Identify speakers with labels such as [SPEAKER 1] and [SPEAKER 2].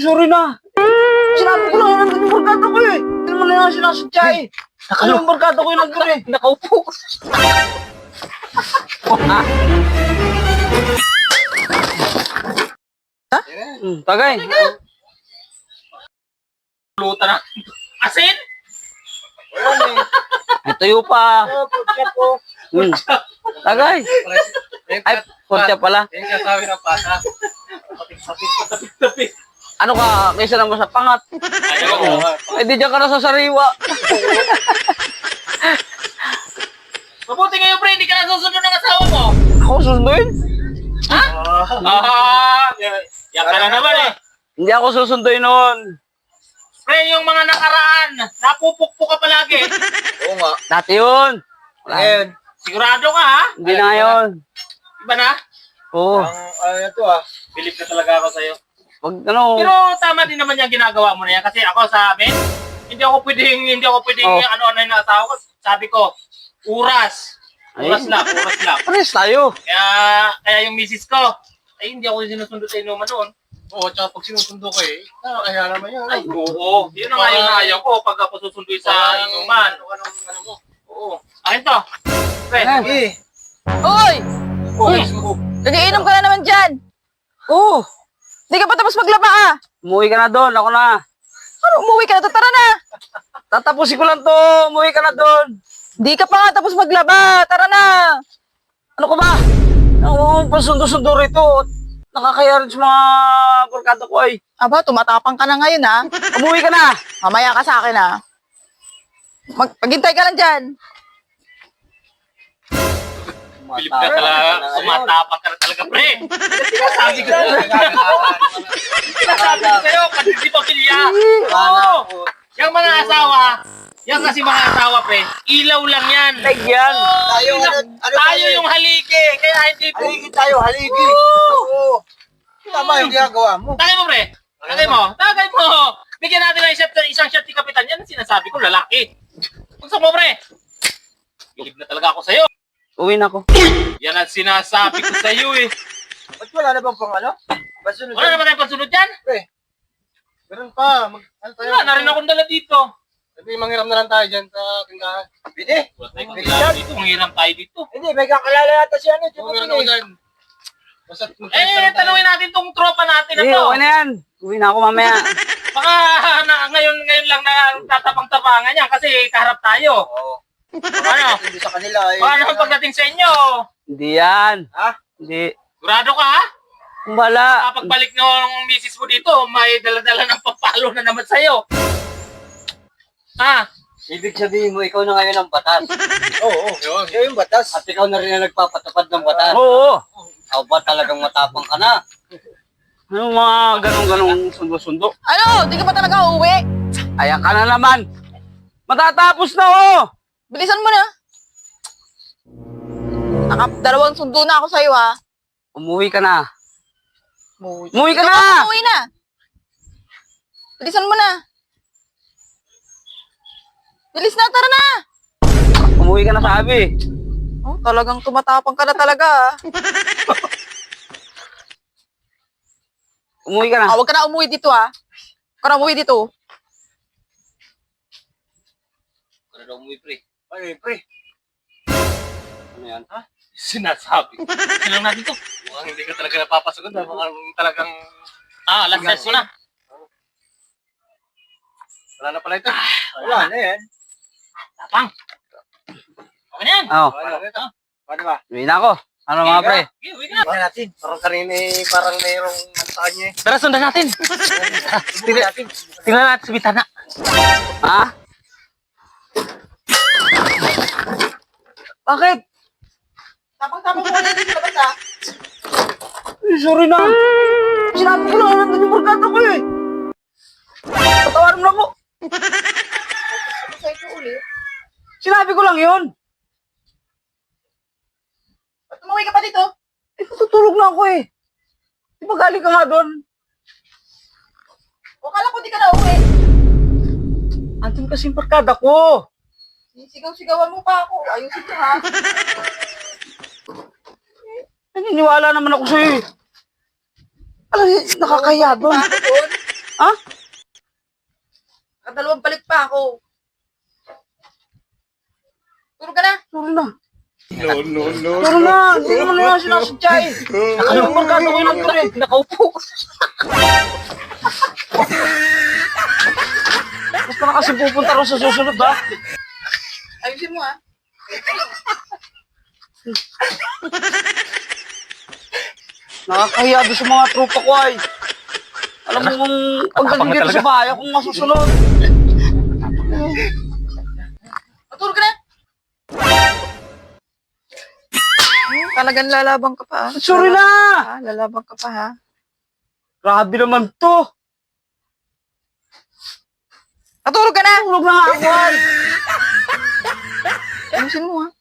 [SPEAKER 1] Sorry na. Sinabi ko lang nandun yung barkada ko eh. Hindi naman na yung sinasadya eh. Ano yung barkada ko yung nandun eh.
[SPEAKER 2] Nakaupo.
[SPEAKER 1] Tagay.
[SPEAKER 2] Luta na. Asin?
[SPEAKER 1] Ay, tayo pa. Tagay. Ay, portya pala.
[SPEAKER 2] Yan yung sabi ng pata. Tapit.
[SPEAKER 1] Ano ka, kaysa naman sa pangat.
[SPEAKER 2] Ayaw.
[SPEAKER 1] Eh, di dyan ka na sa sariwa.
[SPEAKER 2] Mabuti ngayon, pre, hindi ka nasusunod ng asawa mo.
[SPEAKER 1] Ako susunduin?
[SPEAKER 2] Ha? Yan ka na naman eh.
[SPEAKER 1] Hindi ako susunduin noon.
[SPEAKER 2] Pre, yung mga nakaraan, napupukpo ka palagi.
[SPEAKER 3] Oo nga.
[SPEAKER 1] Dati yun.
[SPEAKER 3] Ngayon,
[SPEAKER 2] Sigurado ka, ha?
[SPEAKER 1] Hindi na yun.
[SPEAKER 2] Iba na?
[SPEAKER 1] Oo.
[SPEAKER 3] ano to
[SPEAKER 2] Bilip na talaga ako sa'yo.
[SPEAKER 1] Wag ano.
[SPEAKER 2] Pero tama din naman yung ginagawa mo na yan. Kasi ako sa amin, hindi ako pwedeng ano-ano yung asawa ko. Sabi ko, oras. Oras lang.
[SPEAKER 1] Pares tayo.
[SPEAKER 2] Kaya yung misis ko, ay hindi ako sinusundo sa inuman noon.
[SPEAKER 3] Oo, tsaka pag sinusundo ko kaya naman yun.
[SPEAKER 2] Ay, oo. Yun ang ayaw na ayaw ko pag ako susunduin sa inuman.
[SPEAKER 3] Ano mo?
[SPEAKER 2] Oo. Akin to. Pre.
[SPEAKER 4] Uy! Nagiinom ka na naman dyan.
[SPEAKER 1] Oo.
[SPEAKER 4] Hindi ka pa tapos maglaba ah.
[SPEAKER 1] Umuwi ka na doon. Ako na.
[SPEAKER 4] Ano, umuwi ka na. Tara na.
[SPEAKER 1] Tatapusin ko lang to. Umuwi ka na doon.
[SPEAKER 4] Hindi ka pa nga tapos maglaba. Tara na.
[SPEAKER 1] Ano ka ba? Ako pasundo-sundo rito. Nakakaya rin sa mga barkada ko ay.
[SPEAKER 4] Aba, tumatapang ka na ngayon ha.
[SPEAKER 1] Umuwi ka na.
[SPEAKER 4] Mamaya ka sa akin ha. Maghintay ka lang dyan.
[SPEAKER 2] Bilip ka talaga. Sumatapang ka na talaga, pre. Sinasabi ko sa'yo, kasi pa pilya. Oo. Yung mga asawa, yung kasi mga asawa, pre, ilaw lang yan.
[SPEAKER 1] Leg yan.
[SPEAKER 2] Tayo yung haligi. Kaya hindi po.
[SPEAKER 3] Haligi tayo, haligi. Oo. Tama yung ginagawa mo.
[SPEAKER 2] Tagay mo, pre. Tagay mo. Bigyan natin ng isang shot ni Kapitan. Yan ang sinasabi ko, lalaki. Gusto mo, pre. Bilib na talaga ako sa'yo.
[SPEAKER 1] Uwi na ako.
[SPEAKER 2] Yan ang sinasabi ko sa'yo eh.
[SPEAKER 3] Ba't wala na bang pang ano? Basunod
[SPEAKER 2] Wala naman tayong pansunod yan.
[SPEAKER 3] Meron pa. Ano tayo?
[SPEAKER 2] Wala na rin akong dala dito.
[SPEAKER 3] Sabi, manghiram na lang tayo dyan sa tindahan. Pwede.
[SPEAKER 2] Wala tayong kailangan dito. Manghiram tayo dito.
[SPEAKER 3] Hindi, may kakalala yata siya ano.
[SPEAKER 2] Meron ako dyan. Tanungin natin tong tropa natin na
[SPEAKER 1] Hindi,
[SPEAKER 2] to.
[SPEAKER 1] okay na yan. Uwi na ako mamaya.
[SPEAKER 2] Baka ngayon lang na tatapang-tapangan yan kasi kaharap tayo.
[SPEAKER 3] Oo.
[SPEAKER 2] Ano?
[SPEAKER 3] Hindi sa kanila.
[SPEAKER 2] Baka naman pagdating sa inyo.
[SPEAKER 1] Hindi yan.
[SPEAKER 3] Ha?
[SPEAKER 1] Hindi.
[SPEAKER 2] Sigurado ka ha?
[SPEAKER 1] Kumbala.
[SPEAKER 2] Pagbalik ng misis mo dito, may dala-dala ng papalo na naman sa'yo. Ha?
[SPEAKER 5] Ibig sabihin mo, ikaw na ngayon ang batas.
[SPEAKER 3] Oo. Siya yung batas.
[SPEAKER 5] At ikaw na rin ang nagpapatupad ng batas.
[SPEAKER 1] Oo.
[SPEAKER 5] Ikaw ba talagang matapang ka na?
[SPEAKER 1] Ano mga ganong-ganong sundo-sundo?
[SPEAKER 4] Ano, di ka pa talaga uuwi?
[SPEAKER 1] Ayan ka na naman. Matatapos na oh.
[SPEAKER 4] Bilisan mo na. Dalawang sundo na ako sa'yo ha.
[SPEAKER 1] Umuwi ka na.
[SPEAKER 4] Umuwi
[SPEAKER 1] Umuwi ka
[SPEAKER 4] Ikaw
[SPEAKER 1] na.
[SPEAKER 4] Umuwi na. Bilisan mo na. Bilis na, tara na.
[SPEAKER 1] Umuwi ka na sabi.
[SPEAKER 4] Oh, talagang tumatapang ka na talaga ha.
[SPEAKER 1] Umuwi ka na.
[SPEAKER 4] Huwag ka na umuwi dito ha. Huwag ka na umuwi dito.
[SPEAKER 5] Ano daw mo, pre?
[SPEAKER 3] Ay, pre.
[SPEAKER 5] Ano yan? Ha?
[SPEAKER 2] Sinasabi ko. Silang natin to.
[SPEAKER 3] Mukhang hindi ka talaga napapasagot. Mukhang talagang
[SPEAKER 2] Last test mo na.
[SPEAKER 3] wala na pala ito. Wala na yan.
[SPEAKER 2] Tapang. Okay na yan.
[SPEAKER 1] Oh,
[SPEAKER 3] Wala na ito. Paano ba?
[SPEAKER 1] uwi na ako. Ano mga pre?
[SPEAKER 2] Okay, uwi ka na.
[SPEAKER 3] Tingnan natin. Parang kanina parang mayroong ano sa kanya eh.
[SPEAKER 2] Tara, sundan natin.
[SPEAKER 3] Tingnan natin.
[SPEAKER 2] Tingnan natin sa bitana.
[SPEAKER 1] Ha? Bakit?
[SPEAKER 4] Tapang-tapang mo na dito sa labas ha.
[SPEAKER 1] Sorry na. Sinabi ko lang nandun yung barkada ko eh. Patawarin mo na ako.
[SPEAKER 4] Sa'yo ulit.
[SPEAKER 1] Sinabi ko lang yun.
[SPEAKER 4] Ba't umuwi ka pa dito?
[SPEAKER 1] Eh, tutulog na ako eh. Di ba galing ka nga doon?
[SPEAKER 4] O kala ko di ka na uwi.
[SPEAKER 1] Andun kasi yung barkada ko.
[SPEAKER 4] Sigaw-sigawan mo pa ako. Ayusin ko ha.
[SPEAKER 1] Naniniwala naman ako sa'yo eh. Alam, nakakaya doon.
[SPEAKER 4] Bakit doon?
[SPEAKER 1] Ha?
[SPEAKER 4] Nakadalawang balik pa ako. Tulog ka na.
[SPEAKER 1] Sorry na. Sorry na. Hindi naman na sinasadya eh. Yung barkada ko yun eh.
[SPEAKER 2] Nakaupo.
[SPEAKER 1] Basta na kasi pupunta rin sa susunod ha.
[SPEAKER 4] Ayusin mo, ha?
[SPEAKER 1] Nakakahiya doon sa mga tropa ko ay. Alam mo kung pagdating dito sa bahay, akong masusunod.
[SPEAKER 4] Matulog ka na. Talagang lalabang ka pa, ha?
[SPEAKER 1] Sorry na!
[SPEAKER 4] Ha? Lalabang ka pa, ha?
[SPEAKER 1] Grabe naman to.
[SPEAKER 4] Matulog ka na!
[SPEAKER 1] Tulog na nga ako ay.
[SPEAKER 4] Ayusin mo, ha?